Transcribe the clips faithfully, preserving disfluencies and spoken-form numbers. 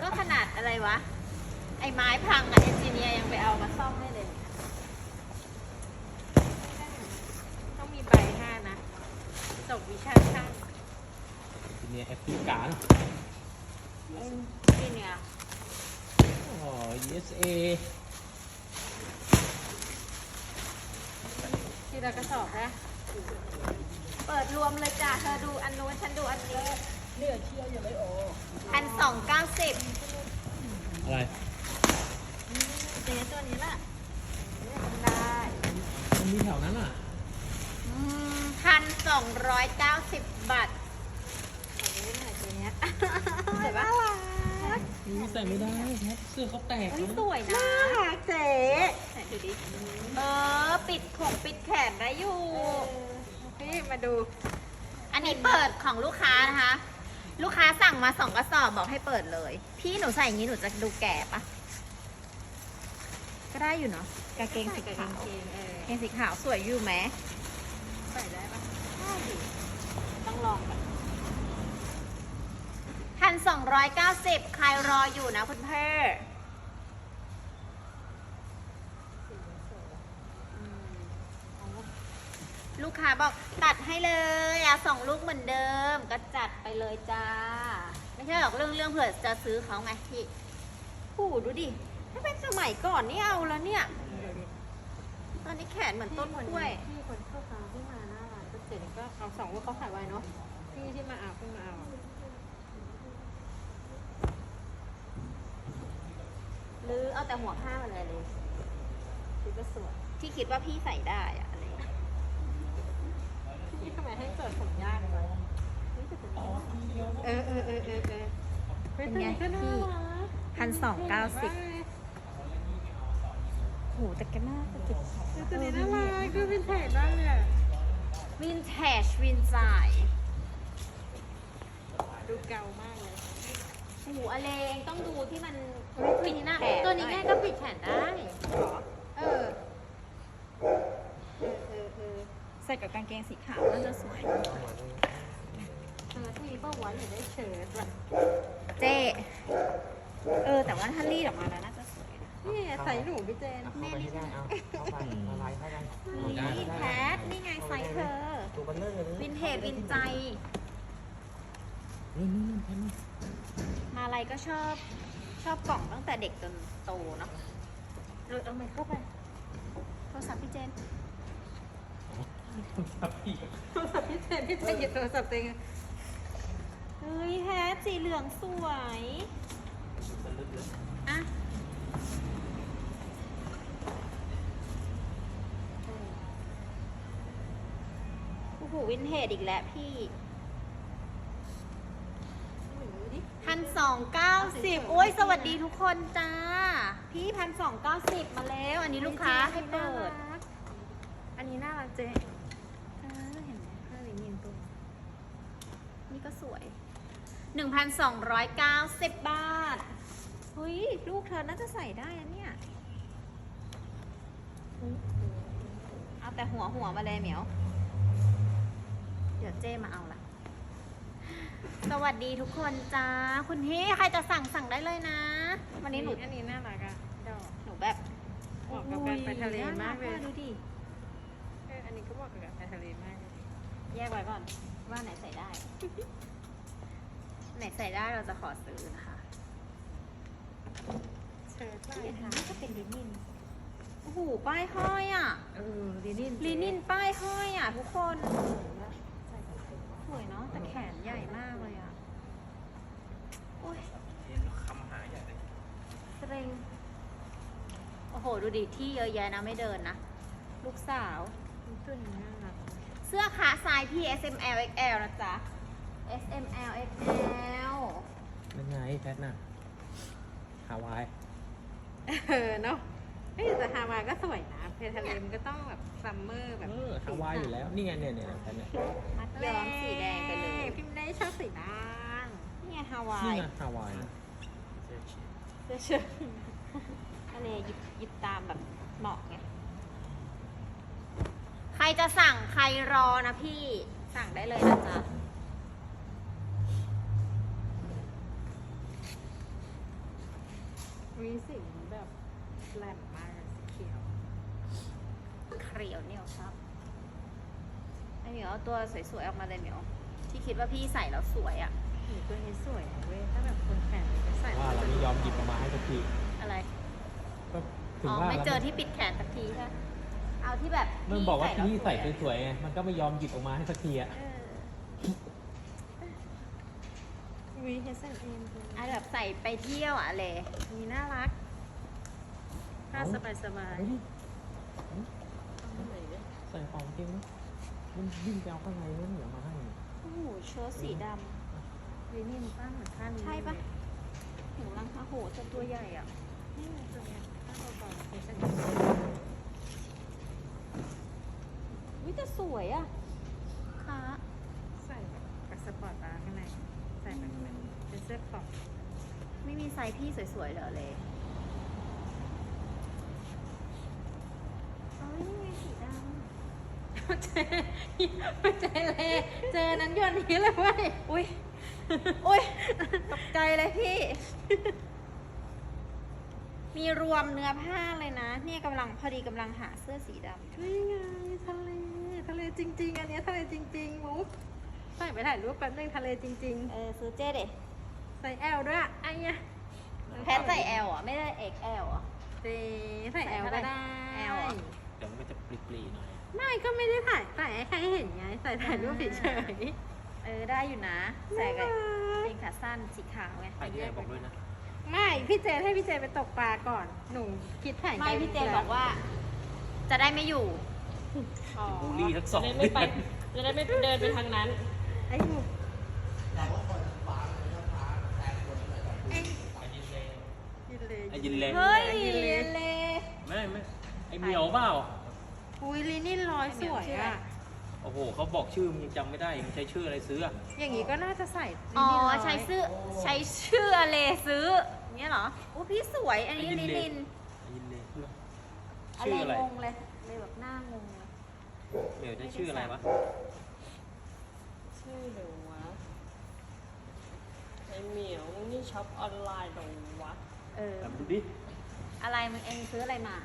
ก็ขนาดอะไรวะไอ้ไม้พังอะเอนจิเนียร์ยังไปเอามาซ่อมได้เลยต้องมีใบห้านะจบวิชาช่างทีนี้แอฟริกาเอนจิเนียร์อ๋อ ยู เอส เอทีละกระสอบนะเปิดรวมเลยจ้ะเธอดูอันนู้นฉันดูอันนี้เหลือเชี่ยวอยู่เลยโอ้พันสองเก้าสิบอะไรเจ๊ตัวนี้แหละได้มันมีแถวนั้นอ่ะพันสองร้อยเก้าสิบบาทขอดูหน่อยตัวเนี้ยเห็นปะนี่ใส่ไม่ได้ครับเสื้อเขาแตกเฮ้ยนะสวยนะน่ารักเจ๊ไหนดูดิเออปิดของปิดแขนได้อยู่พี่มาดู อันนี้เปิดของลูกค้านะคะ ลูกค้าสั่งมาสองกระสอบบอกให้เปิดเลย พี่หนูใส่อย่างนี้หนูจะดูแก่ปะก็ได้อยู่เนาะกางเกงสีขาวกางเกงสีขาวสวยอยู่ไหมใส่ได้ปะได้ดิต้องลองกันพันสองร้อยเก้าสิบใครรออยู่นะคุณเพ่ลูกค้าบอกตัดให้เลยเอาสองลูกเหมือนเดิมก็จัดไปเลยจ้า ไม่ใช่หรอกเรื่องเรื่องเผื่อจะซื้อเขาไงพี่ผู้ดูดิถ้าเป็นสมัยก่อนนี่เอาแล้วเนี่ยตอนนี้แขนเหมือนต้นกล้วยพี่คนเข้าตาที่มาหน้าร้านก็เจ๊ก็เอาสองว่าเขาขายไว้เนาะพี่ที่มาเอาเพิ่งมาเอาหรือเอาแต่หัวผ้ามาเลยเลยคิดว่าสวยที่คิดว่าพี่ใส่ได้อะอะไรอย่างเงี้ยพี่ทำไมให้เปิดผมยากเลยเออเออเออเออเออเป็นไงพี่พันสองเก้าสิบโหแต่ก็น่าจะเก็บของตัวนี้น่ารักคือวินเทจมากเลยวินเทจวินไซด์ดูเก่ามากเลยโอ้โหอะไรเองต้องดูที่มันปิดหน้าตัวนี้ง่ายก็ปิดแขนได้หรอเออเออเออเออใส่กับกางเกงสีขาวน่าจะสวยเออที่ป้าวันอยู่ได้เชิ้ตว่ะเจ๊เออ แต่ว่าถ้ารีดออกมาแล้วน่าจะสวยนะนี่ใส่หนูพี่เจนเข้าไปให้ได้เอาเข้าไปละลายเข้าไปนี่แพทนี่ไงไซส์เธอตัวเบลเลอร์เลยวินเทจวินใจนี่นี่นี่แค่นี้มาอะไรก็ชอบชอบกล่องตั้งแต่เด็กจนโตเนาะเออเอาไมเข้าไปโทรศัพท์พี่เจนครับพี่โทรศัพท์พี่เจนพี่เจนหยิบโทรศัพท์เองเฮ้ยแพทสีเหลืองสวยอะโอ้โหวินเทจอีกแล้วพี่พันสองเก้าสิบโอ้ยสวัสดีทุกคนจ้า พี่พันสองเก้าสิบมาแล้ว อันนี้ลูกค้าให้เปิดอันนี้น่ารักเจ๊เออเห็นไหมผ้าลินินตัวนี่ก็สวย หนึ่งพันสองร้อยเก้าสิบบาท เฮ้ย ลูกเธอน่าจะใส่ได้อะเนี่ย เอาแต่หัวหัวมาเลยเหมียว เดี๋ยวเจ้มาเอาละ สวัสดีทุกคนจ้า คุณพี่ใครจะสั่งสั่งได้เลยนะ วันนี้หนูอันนี้น่ารักอะดอกหนูแบบเหมาะกับการไปทะเลมากเลยน่รัดูดิเอออันนี้ก็เหมาะกับการไปทะเลมากเลยแยกไว้ก่อน ว่าไหนใส่ได้ ไหนใส่ได้เราจะขอซื้อนะคะเชิ้ตลายนี่ค่ะนี่ก็เป็นลินิน โอ้โห ป้ายห้อยอ่ะเออลินินลินินป้ายห้อยอ่ะทุกคน สวยเนาะ แต่แขนใหญ่มากเลยอ่ะ โอ้ยคำหาใหญ่เลยเกรงโอ้โห ดูดิ ที่เยอะแยะนะ ไม่เดินนะ ลูกสาวตัวนี้น่ารักเสื้อขาไซส์พี่ เอส เอ็ม แอล เอ็กซ์ แอล นะจ๊ะ เอส เอ็ม แอล เอ็กซ์ แอลนั่นไงแพทน่ะฮาวายเออเนาะเฮ้ยแต่ฮาวายก็สวยนะเพทะเลมันก็ต้องแบบซัมเมอร์แบบเออฮาวายอยู่แล้ว นี่ไงเนี่ยเนี่ยแพทเนี่ยมัดย้อมสีแดงไปเลยพิมพ์ได้ชอบสีด่างนี่ไงฮาวานี่ยไงฮาวายนะเสื้อเชิ้ตทะเลหยิบหยิบตามแบบเหมาะไง ใครจะสั่งใครรอนะพี่ สั่งได้เลยนะจ๊ะมีสีแบบแหลมมากเลยสีเขียวเขียวเหนียวครับไอเหมียวเอาตัวสวยๆออกมาเลยเหมียวที่คิดว่าพี่ใส่แล้วสวยอะหนูตัวนี้สวยนะเว้ยถ้าแบบคนแขนเลยก็ใส่ว่าเราไม่ยอมหยิบออกมาให้สักทีอะไรก็ถึอ๋งอว่าไม่แล้วเจอที่ปิดแขนสักทีใช่ไหมเอาที่แบบมันบอกว่าที่ใส่แล้วสวยๆไงมันก็ไม่ยอมหยิบออกมาให้สักทีอ่ะเออวีเฮสเอ็นเอ็มเอาแบบใส่ไปเที่ยวอะเลยมีน่ารักผ้าสบายสบายเฮ้ยใส่ของจริงนะมันวิ่งไปเอาข้างในนั่นเหนียวมาให้โอ้โหเชิ้ตสีดลินินป้าเหมือนผ้าำนี้ใช่ปะถึงรังโอ้โหจะตัวใหญ่อ่ะนี่ไงตัวเนี้ยผ้าเบาๆเฮสเอ็นวิแต่สวยอ่ะค่ะใส่แบบกับสปอร์ตบาร์ข้างในใส่แบบเหมือนเป็นเสื้อครอปไม่มีไซส์พี่สวยๆเหรอเลยเอ้ยนี่ไงสีดำเจเจเลยเจอนั้นโยนนี้เลยเว้ยอุ้ย อุ้ยตกใจเลยพี่ มีรวมเนื้อผ้าเลยนะ เนี่ยกำลังพอดีกำลังหาเสื้อสีดำอยู่นี่ไงทะเลทะเลจริง ๆ อันเนี้ยทะเลจริงๆมุกใส่ไปถ่ายรูปแป๊บนึงทะเลจริงเออซื้อเจ๊เด็ๆ ใส่แอลด้วยอะไอ้เนี่ยแพทใส่ L อ่ะ ไม่ได้ เอ็กซ์ แอล อ่ะเจ๊ใส่แอลก็ได้แอลเหรอเดี๋ยวมันก็จะปรีๆหน่อยไม่ก็ไม่ได้ถ่ายใส่ให้ใครเห็นไงใส่ถ่ายรูปเฉยเออ ได้อยู่นะๆใส่กับน่ารัเกงขาสั้นสีขาวไงถ่ายที่ไหนบอกด้วยนะไม่พี่เจให้พี่เจไปตกปลาก่อน หนูคิดถ่ายไม่พี่เจบอกว่า จะได้ไม่อยู่อ๋อบูลลี่ทั้งสองจะได้ไม่ไป จะได้ไม่เดินไปทางนั้นไอ้หนูไอ้ยินเลยเฮ้ยยินเลยเลไม่ไม่ไอ้เหมียวเปล่าอุ้ยลินินร้อยสวยอ่ะโอ้โหเขาบอกชื่อมึงยังจำไม่ได้มึงใช้ชื่ออะไรซื้ออะอย่างงี้ก็น่าจะใส่ลิอ๋อนินร้อยใช้ชื่อใช้ชื่อเลซื้ออย่างเงี้ยเหรอโอ้พี่สวย อันนี้ลินินไอ้ยินเลยเพื่ออะชื่ไรออะไรงงเลยเลยแบบหน้างงเลยเหมียวได้ชื่ออะไรวะชื่อเดี๋ยววะไอเหมียวนี่ช็อปออนไลน์เดี๋ยววะเออแต่มาดูดิอะไรมึงเองซื้ออะไรมา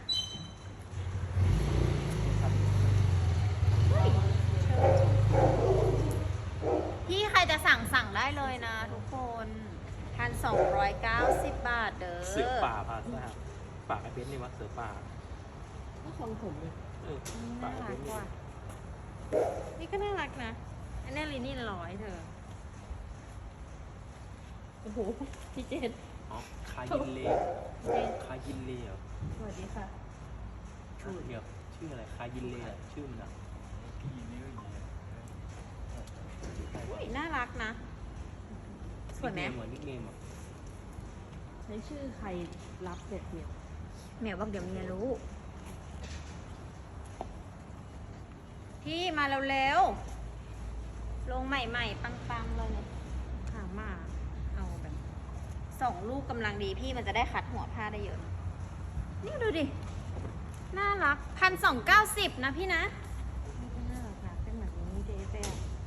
พี่ใครจะสั่งสั่งได้เลยนะทุกคนพันสองร้อยเก้าสิบบาทเด้อเสือป่าพาซ่าป่าไอ้เบนซ์นี่วะเสือป่าก็ของผมเลยเออป่าน่าไอ้รัเบกนซ์นี่ว่ะนี่ก็น่ารักนะ อันนี้ลินินร้อยเธอโอ้โห พี่เจนอ๋อคายินเลคายินเลเหรอสวัสดีค่ะชื่อเหมียวชื่ออะไรคายินเลอะชื่อมันอะอุ้ยน่ารักนะ สวยไหมเหมือนนิกเนมอะใช้ชื่อใครรับเด็ดเหมียวเหมียวบอกเดี๋ยวเมียรู้ พี่มาเร็วๆลงใหม่ๆ ปังๆเลยเนี่ยขามาเอาแบบสองลูกกำลังดีพี่มันจะได้คัดหัวผ้าได้เยอะ นี่ดูดิ น่ารักพันสองเก้าสิบนะพี่นะนี่ก็น่ารักนะเป็นแบบนี้เจ๊เจ๊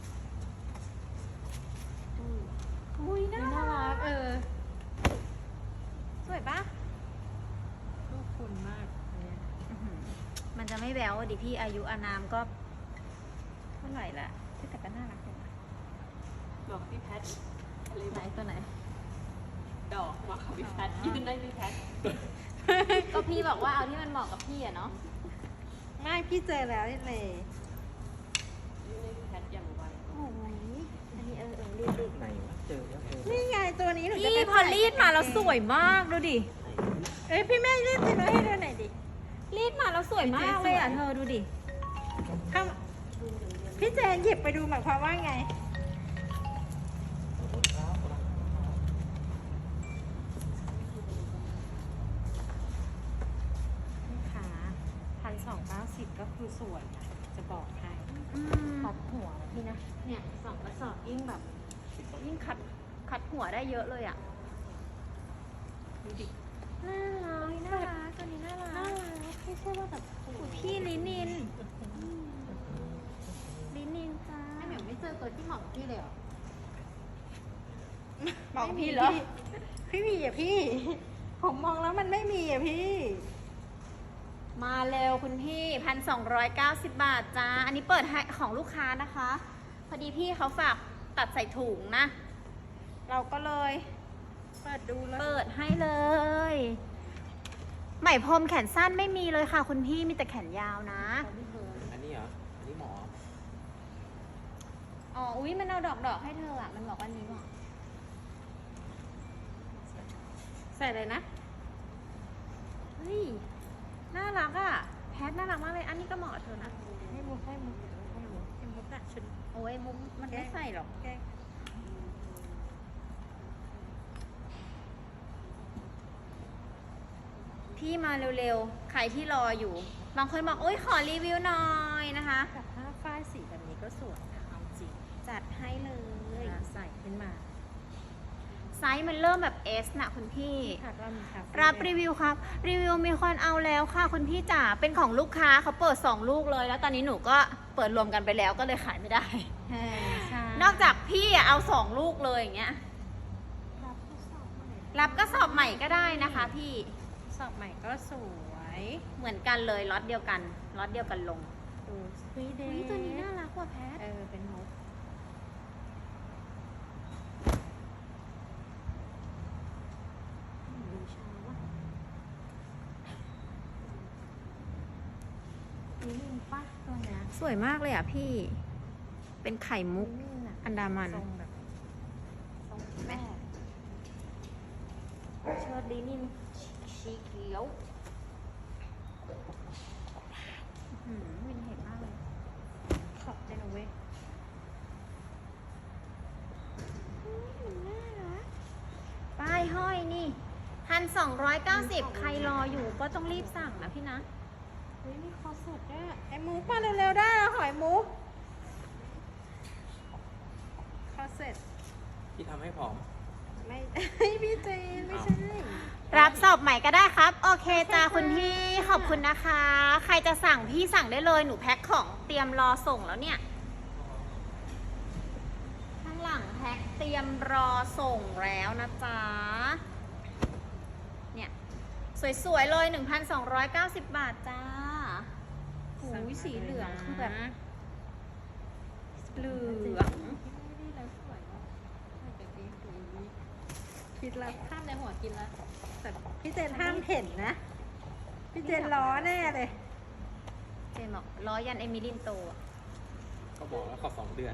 อุ้ยน่าน่ารัรักกเออสวยปะลูกคุณมากอันเนี้ยอื้อหือมันจะไม่แววอะดิพี่อายุอานามก็เท่าไหร่ละแต่ก็น่ารักจังนะบอกพี่แพทอะไรไหนตัวไหนดอกมาค่ะพี่แพทยืนได้พี่แพทก็พี่บอกว่าเอาที่มันเหมาะกับพี่อะเนาะไม่พี่เจอแล้วนี่เลยยืนได้พี่แพทอย่างไวโอ้ยอันนี้เออเออรีดรีดไหนวะเจอแล้วเจอนี่ไงตัวนี้หนูจะพี่ไปพอรีดมาแล้วสวยมากดูดิเอ้ยพี่แม่รีดตัวนี้ให้ดูหน่อยดิรีดมาแล้วสวยมากเลยอ่ะเธอดูดิเข้าพี่เจนหยิบไปดูหมายความว่าไง ลูกค้าพันสองเก้าสิบก็คือสวยนะจะบอกให้อืมคัดหัวพี่นะ เนี่ยสองกระสอบยิ่งแบบยิ่งคัดคัดหัวได้เยอะเลยอ่ะดูดิน่ารักน่ารักตัวนี้น่ารัน่าก รักไม่ใช่ว่าแบบโอ้โหพี่ลินินลินินจ้าไอ้เหมียวไม่เจอตัวที่เหมาะกับพี่เลยเหรอบอกพี่เหรอไม่มีอ่ะพี่ผมมองแล้วมันไม่มีอ่ะพี่มาเร็วคุณพี่พันสองร้อยเก้าสิบบาทจ้า อันนี้เปิดให้ของลูกค้านะคะ พอดีพี่เขาฝากตัดใส่ถุงนะ เราก็เลยเปิดดูแล้วเปิดให้เลย ไหมพรมแขนสั้นไม่มีเลยค่ะ คุณพี่มีแต่แขนยาวนะอันนี้เหรอ อันนี้หมออ๋อ อุ้ยมันเอาดอกดอกๆให้เธออ่ะ มันบอกว่านี้เหมาะใส่เลยนะเฮ้ย น่ารักอ่ะ แพทน่ารักมากเลย อันนี้ก็เหมาะกับเธอนะให้มุกให้มุกให้มุกให้มุกอะชุดโอ้ยมุกมันไม่ใส่หรอกแกล้งพี่มาเร็วๆ ใครที่รออยู่ บางคนบอกโอ้ยขอรีวิวหน่อยนะคะแต่ผ้าฝ้ายสีแบบนี้ก็สวยนะเอาจริงจัดให้เลยเวลาใส่ขึ้นมาไซส์มันเริ่มแบบ S นะคุณพี่ค่ะก็มีคาเฟ่รับรีวิวครับ รีวิวมีคนเอาแล้วค่ะคุณพี่จ๋า เป็นของลูกค้าเขาเปิดสองลูกเลย แล้วตอนนี้หนูก็เปิดรวมกันไปแล้วก็เลยขายไม่ได้ใช่ใช่นอกจากพี่อะเอาสองลูกเลยอย่างเงี้ยรับข้อสอบใหม่รับก็สอบใหม่ก็ได้นะคะพี่สอบใหม่ก็สวยเหมือนกันเลยล็อตเดียวกันล็อตเดียวกันลงดูสวีเดอุ้ยตัวนี้น่ารักกว่าแพทเออเป็นมุกดูชาวะนี่มินปะตัวเนี้ยสวยมากเลยอ่ะพี่ เป็นไข่มุกมินอะอันดามันทรงแบบทรงแม่เชิดลินินสีเขียวอื้อหือวินเห็นมากเลยขอบใจนะเว้ยมันน่ารักป้ายห้อยนี่พันสองร้อยเก้าสิบใครรออยู่ก็ต้องรีบสั่งนะพี่นะเฮ้ยมีคอสดด้วยไอ้มุกมาเร็วๆได้แล้วหอยมุกคอเสร็จที่ทำให้ผอมไม่ พี่เจนไม่ใช่รับสอบใหม่ก็ได้ครับ โอเคจ้าคุณพี่ขอบคุณนะคะ ใครจะสั่งพี่สั่งได้เลยหนูแพ็คของเตรียมรอส่งแล้วเนี่ย ข้างหลังแพ็คเตรียมรอส่งแล้วนะจ๊ะ เนี่ย สวยๆเลย หนึ่งพันสองร้อยเก้าสิบ บาทจ้าโอ้ยสีเหลืองคือแบบเหลืองนี่แล้วสวยว่ะไม่เป็นดีดูนี่คิดแล้วข้ามในหัวกินแล้วแต่พี่เจนห้ามเห็นนะ พี่เจนล้อแน่เลยเจนบอกล้อยันเอมิลินโตอะก็บอกแล้วขอสองเดือน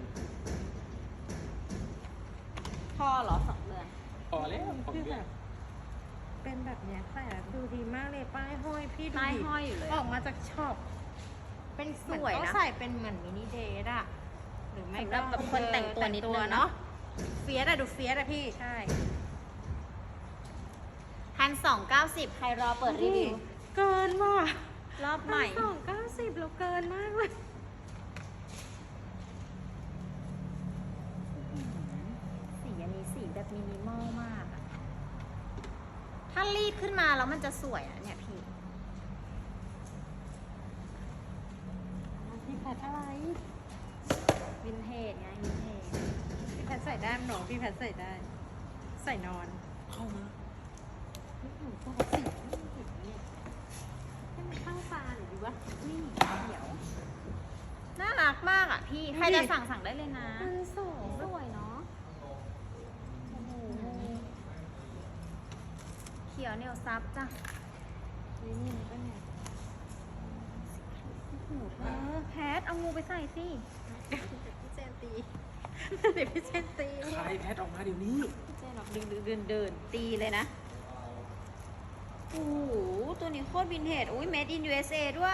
พ่อเหรอสองเดือนพอแล้วสองคือเดืแบอนบเป็นแบบเนี้ยใส่แล้วดูดีมากเลยป้ายห้อยพี่ดูป้ายดิห้อยอยู่เลยออกมาจากช็อปเป็นสวยนะเหมือเขาใส่เป็นเหมือนมินิเดทอะหรือไม่สำหรับแบบคนแต่งตัวนิดนึงแต่เนาะเฟียสอะดูเฟียสอะพี่ใช่พันสองเก้าสิบใครรอเปิดรีวิวเกินว่ะรอบใหม่สองเก้าสิบเราเกินมากเลยสีอันนี้สีแบบมินิมอลมากอะถ้ารีดขึ้นมาแล้วมันจะสวยอะเนี่ยพี่พี่แพทอะไรวินเทจไงวินเทจพี่แพทใส่ได้หนูพี่แพทใส่ได้ ใส่นอนเข้ามาหนูตัวสีไม่เห็นเนี่ยให้มันเข้าตาหรือดีวะนี่เดี๋ยวน่ารักมากอ่ะพี่ ใครจะสั่งสั่งได้เลยนะมันสองสวยเนาะโอ้โหเขียวเหนียวซับจ้ะนี่นี่มันก็เนี่ยโอ้โหเธอแพทเอางูไปใส่สิเดี๋ยวพี่เจนตีเดี๋ยวพี่เจนตีคลายแพทออกมาเดี๋ยวนี้พี่เจนบอกดึงดึงเดินเดินตีเลยนะ โอ้โห ตัวนี้โคตรวินเทจ อุ้ย made in ยู เอส เอ ด้วย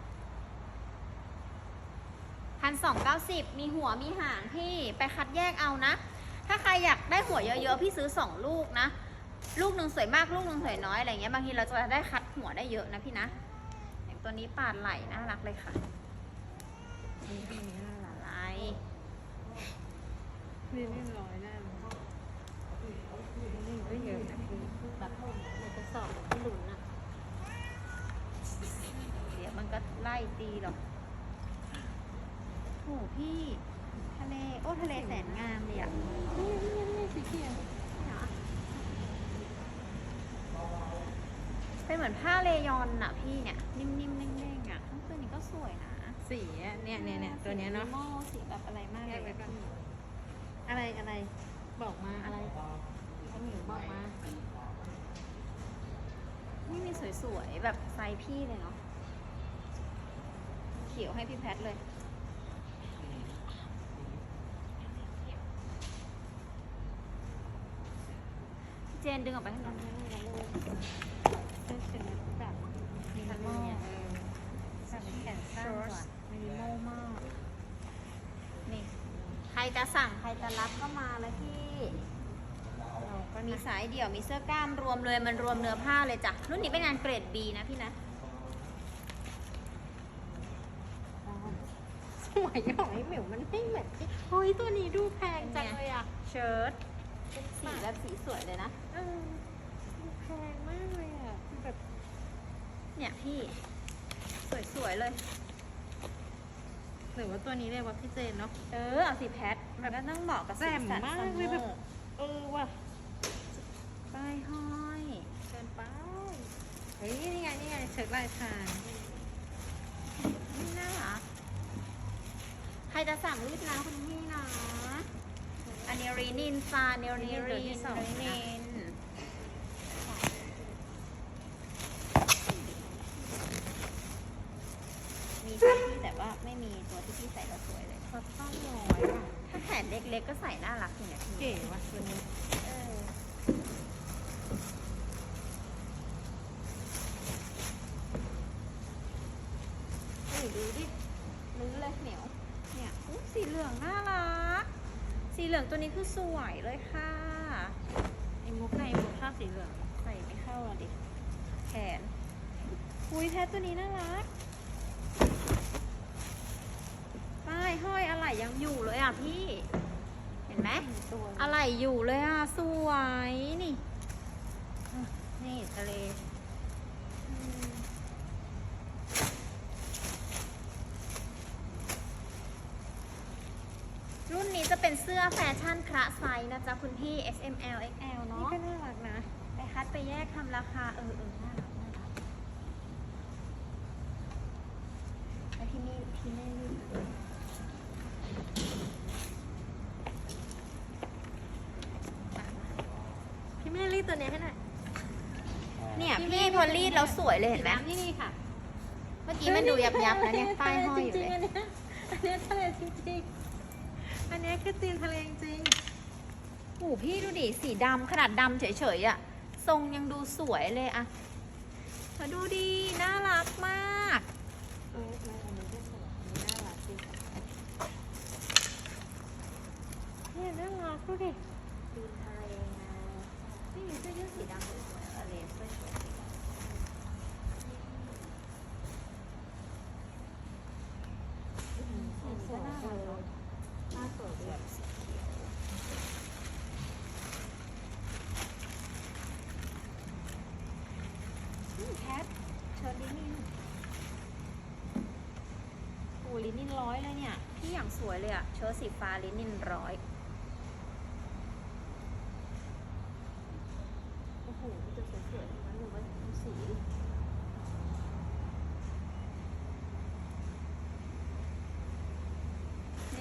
พันสองเก้าสิบมีหัวมีหางพี่ ไปคัดแยกเอานะ ถ้าใครอยากได้หัวเยอะๆ พี่ซื้อสองลูกนะ ลูกหนึ่งสวยมาก ลูกหนึ่งสวยน้อยอะไรเงี้ย บางทีเราจะได้คัดหัวได้เยอะนะพี่นะ อย่างตัวนี้ปาดไหลน่ารักเลยค่ะนี่นี่น่ารักไหลนี่นี่ร้อยแน่เลยนี่ก็เยอะนะพี่แบบในกระสอบที่หลุนอะเดี๋ยวมันก็ไล่ตีหรอกโอ้โหพี่ ทะเล โอ้ทะเลแสนงามเลยอ่ะนี่นี่นี่สีเขียวเหรอเป็นเหมือนผ้าเลยอนอะพี่เนี่ยนิ่มๆเด้งๆอะทั้งตัวนี้ก็สวยนะสีอะเนี่ยเนี่ยเนี่ยตัวเนี้ยเนาะสีโม่สีแบบอะไรมากเลยอะพี่อะไรอะไรบอกมาอะไรอันหมิวบอกมานี่มีสวยๆแบบไซส์พี่เลยเนาะเขียวให้พี่แพทเลยเจนดึงออกไปให้หน่อยเสื้อเชิ้ตแบบมินิมอลเออแบบแขนสั้นกว่ามินิมอลมากนี่ใครจะสั่งใครจะรับก็มาเลยพี่เราก็มีมีสายเดี่ยวมีเสื้อกล้ามรวมเลยมันรวมเนื้อผ้าเลยจ้ะรุ่นนี้เป็นงานเกรด B นะพี่นะสวยของไอ้หมิวมันไม่เหมือนที่เฮ้ยตัวนี้ดูแพงจังเลยอ่ะเชิ้ตสีแบบสีสวยเลยนะเออดูแพงมากเลยอ่ะคือแบบเนี่ยพี่สวยๆเลยหรือว่าตัวนี้เลยว่าพี่เจนเนาะเออเอาสีแพทมันก็ต้องเหมาะกับสีแจ่มสันมากซัมเลยเมแบอบ ร์เออว่ะป้ายห้อยเชิญไปเฮ้ยนี่ไงนี่ไงเชิญลายทางนี่น่ารักใครจะสั่งรีบนะคุณพี่นะอันนี้รีนินซาเนลนีรีนรีนินมีที่ที่แต่ว่าไม่มีตัวที่พี่ใส่แล้วสวยเลยคอตตอนร้อยว่ะถ้าแขนเล็กๆก็ใส่น่ารักอยู่เนี่ยพี่เก๋ว่ะตัวนี้เออเฮ้ยดูดิลื้อเลยเหนียวเนี่ยอุ๊ยสีเหลืองน่ารัก สีเหลืองตัวนี้คือสวยเลยค่ะไอ้มุกในมุกชอบสีเหลืองใส่ไม่เข้าอ่ะดิ แขน อุ้ยแพทตัวนี้น่ารัก ป้ายห้อยอะไรยังอยู่เลยอ่ะพี่ เห็นไหมตัวอะไรอยู่เลยอ่ะ สวย นี่นี่ทะเลรุ่นนี้จะเป็นเสื้อแฟชั่นคละไซส์นะจ๊ะคุณพี่ S M L X L นี่เนาะก็น่ารักนะไปคัดไปแยกทำราคา เออเออน่ารักน่ารักแล้วพี่นี่พี่ไม่รีบพี่แม่รีดตัวนี้ให้หน่อยเนี่ยพี่พี่ไม่พอรีดแล้วสวยเลยเห็นไหมนี่นี่ค่ะเมื่อกี้มันดูยับยับๆนะเนี่ยป้ายห้อยอยู่จริเลงๆยอันเนี้ยอันเนี้ยทะเลจริงๆอันเนี้ยคือตีนทะเลจริงโอ้พี่ดูดิ สีดำขนาดดำเฉยๆอะทรงยังดูสวยเลยอะมาดูดี น่ารักมากเออไม่อันนี้ก็สวยอันนี้น่ารักจริงเนี่ยน่ารักดูดิตีนทะเลไงนี่มีเสื้อยืดสีดำสวยๆอะไรเสื้อสวยสีดำอืมสวยน่าเลรักยน่าสวยด้วยสีเขียวอืมแคทเชิญลินินโอ้ลินินร้อยเลยเนี่ย พี่อย่างสวยเลยอะเชิ้ตสีฟ้าลินินร้อย โอ้โหจะสวยๆทั้งนั้นเลยว่าดูสีดินี่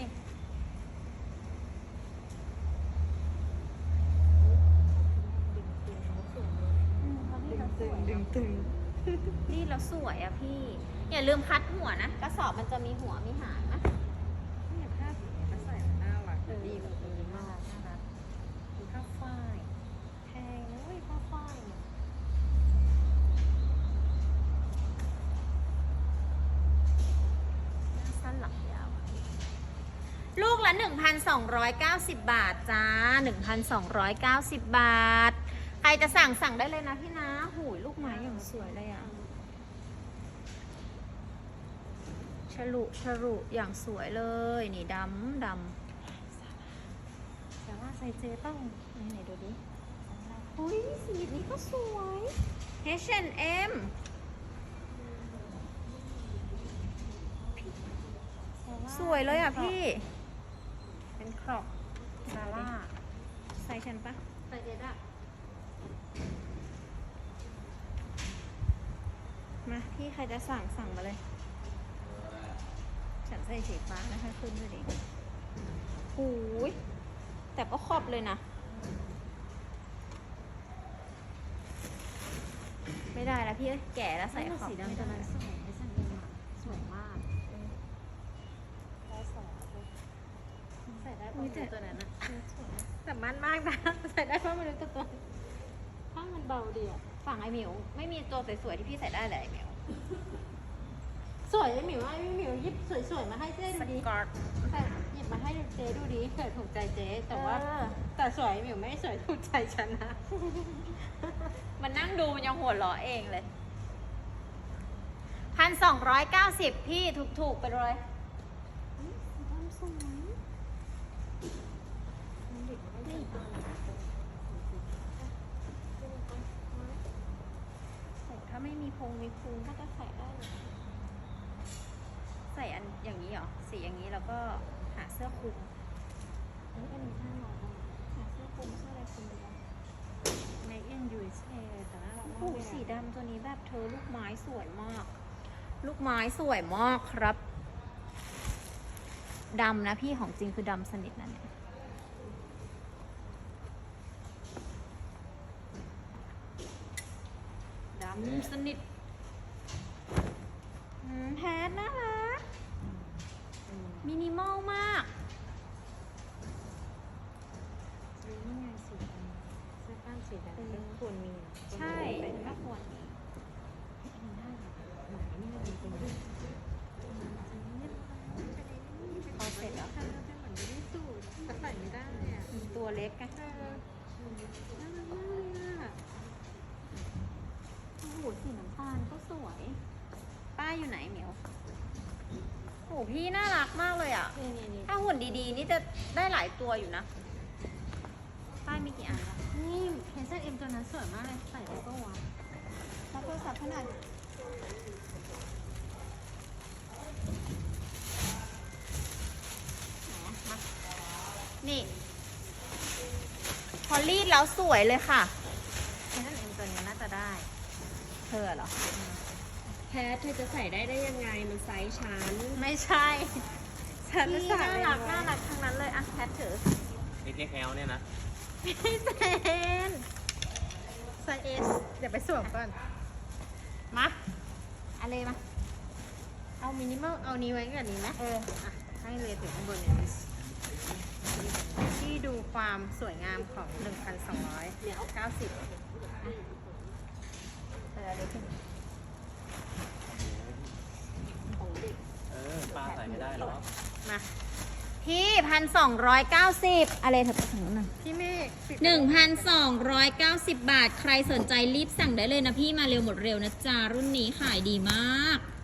อืมเขารีดแล้วสวยดึงตึงรีดแล้วสวยอะพี่ อย่าลืมคัดหัวนะ กระสอบมันจะมีหัวมีหางนะเนี่ยผ้าสีเนี้ยก็ใส่แล้วน่ารักเออดีดีแบบดีดีน่ามากรักน่ารักผ้าฝ้ายแพงนะเว้ยผ้าฝ้ายเนี่ยหน้าสั้นหลังยาวอะลูกละ หนึ่งพันสองร้อยเก้าสิบ บาทจ้า หนึ่งพันสองร้อยเก้าสิบ บาท ใครจะสั่งสั่งได้เลยนะพี่นะหูยลูกไม้อย่างสวยเลยอะฉลุฉลุอย่างสวยเลย นี่ดำดแต่ว่าใส่เจต้องำไหนๆดูดิอุ้ยสีนี้ก็สวย H and M สวยเลยอ่ะพี่เป็นครอบซาร่าใส่ฉันปะใส่เจด้ะมาพี่ใครจะสั่งสั่งมาเลย ฉันใส่สีฟ้านะคะขึ้นด้วยดิหูยแต่ก็ครอบเลยนะ ไม่ได้แล้วพี่เอ้ยแก่แล้วใส่ขอบสีไม่ดำตัวได้นั้นสวยไอ้สังเองอะสวยมากได้สองใส่ได้ปะตัวนั้นอะแต่มันมากนะ ใส่ได้เพราะไม่รู้ตัวตัวผ้ามันเบาดีอะฝั่งไอหมิวไม่มีตัวสวยๆที่พี่ใส่ได้เลยไอหมิวสวยไอ้หมิวไอ้หมิวหยิบสวยๆมาให้เจ๊ดูดิกอดแต่หยิบมาให้เจ๊ดูดิเผื่อถูกใจเจ๊แต่ว่าเออแต่สวยไอ้หมิวไม่สวยถูกใจฉันนะมันนั่งดูมันยังหัวเราะเองเลยพันสองร้อยเก้าสิบพี่ถูกๆไปเลยโอ้ถ้าไม่มีพงมีพุงก็จะใส่ได้เลยใส่อันอย่างนี้เหรอสีอย่างนี้แล้วก็หาเสื้อคลุมอันนี้เป็นห้าร้อยหาเสื้อคลุมเสื้ออะไรคลุมดีวะในเอ็นยูเอสเอแต่น่ารักมากโอ้เลยอะสีดำตัวนี้แบบเธอลูกไม้สวยมาก ลูกไม้สวยมากครับดำนะพี่ของจริงคือดำสนิทนะเนี่ยดำสนิทอืมแพทน่ารักอืมมินิมอลมากนี่ไงสีดำเสื้อกล้ามสีดำก็ควรมีใช่เป็นถ้าควรมีได้หมายนี่มันเป็นแบบพอเสร็จแล้วใช่แล้วเป็นเหมือนไม่ได้สูตรแต่ใส่ไม่ได้เนี่ยตัวเล็กไงเออน่ารักมากเลยอะโอ้โหสีน้ำตาลก็สวย ป้าอยู่ไหนเหมียวโอ้โหพี่น่ารักมากเลยอ่ะนี่นี่นี่ถ้าหุ่นดีๆ นี่จะได้หลายตัวอยู่นะ ป้ายมีกี่อันละนี่เพนเซนเอ็มตัวนั้นสวยมากเลยใส่ได้ก็วะรับโทรศัพท์ขนาดนี่ พอรีดแล้วสวยเลยค่ะเพนเซนเอ็มตัวนี้น่าจะได้เธอเหรอแพทเธอจะใส่ได้ได้ยังไง มันไซส์ฉันไม่ใช่ฉันพี่ใส่น่ารักน่ารักทั้งนั้นเลยอ่ะแพทถือเอ็กซ์แอลเนี่ยนะพี่เจนไซส์เอสเดี๋ยวไปสวมก่อนมาอะไรมาเอามินิมอลเอานี้ไว้กับนี้ไหมเอออ่ะให้เลยถึงข้างบนเนี่ยที่ดูความสวยงามของ หนึ่งพันสองร้อยเก้าสิบเออเดี๋ยวพี่เออป้าใส่ไม่ได้หรอกมาพี่พันสองร้อยเก้าสิบอะไรเถอะไปถึงหนึ่งพี่เมฆปิดหนึ่งพันสองร้อยเก้าสิบบาท ใครสนใจรีบสั่งได้เลยนะพี่มาเร็วหมดเร็วนะจ๊ะ รุ่นนี้ขายดีมาก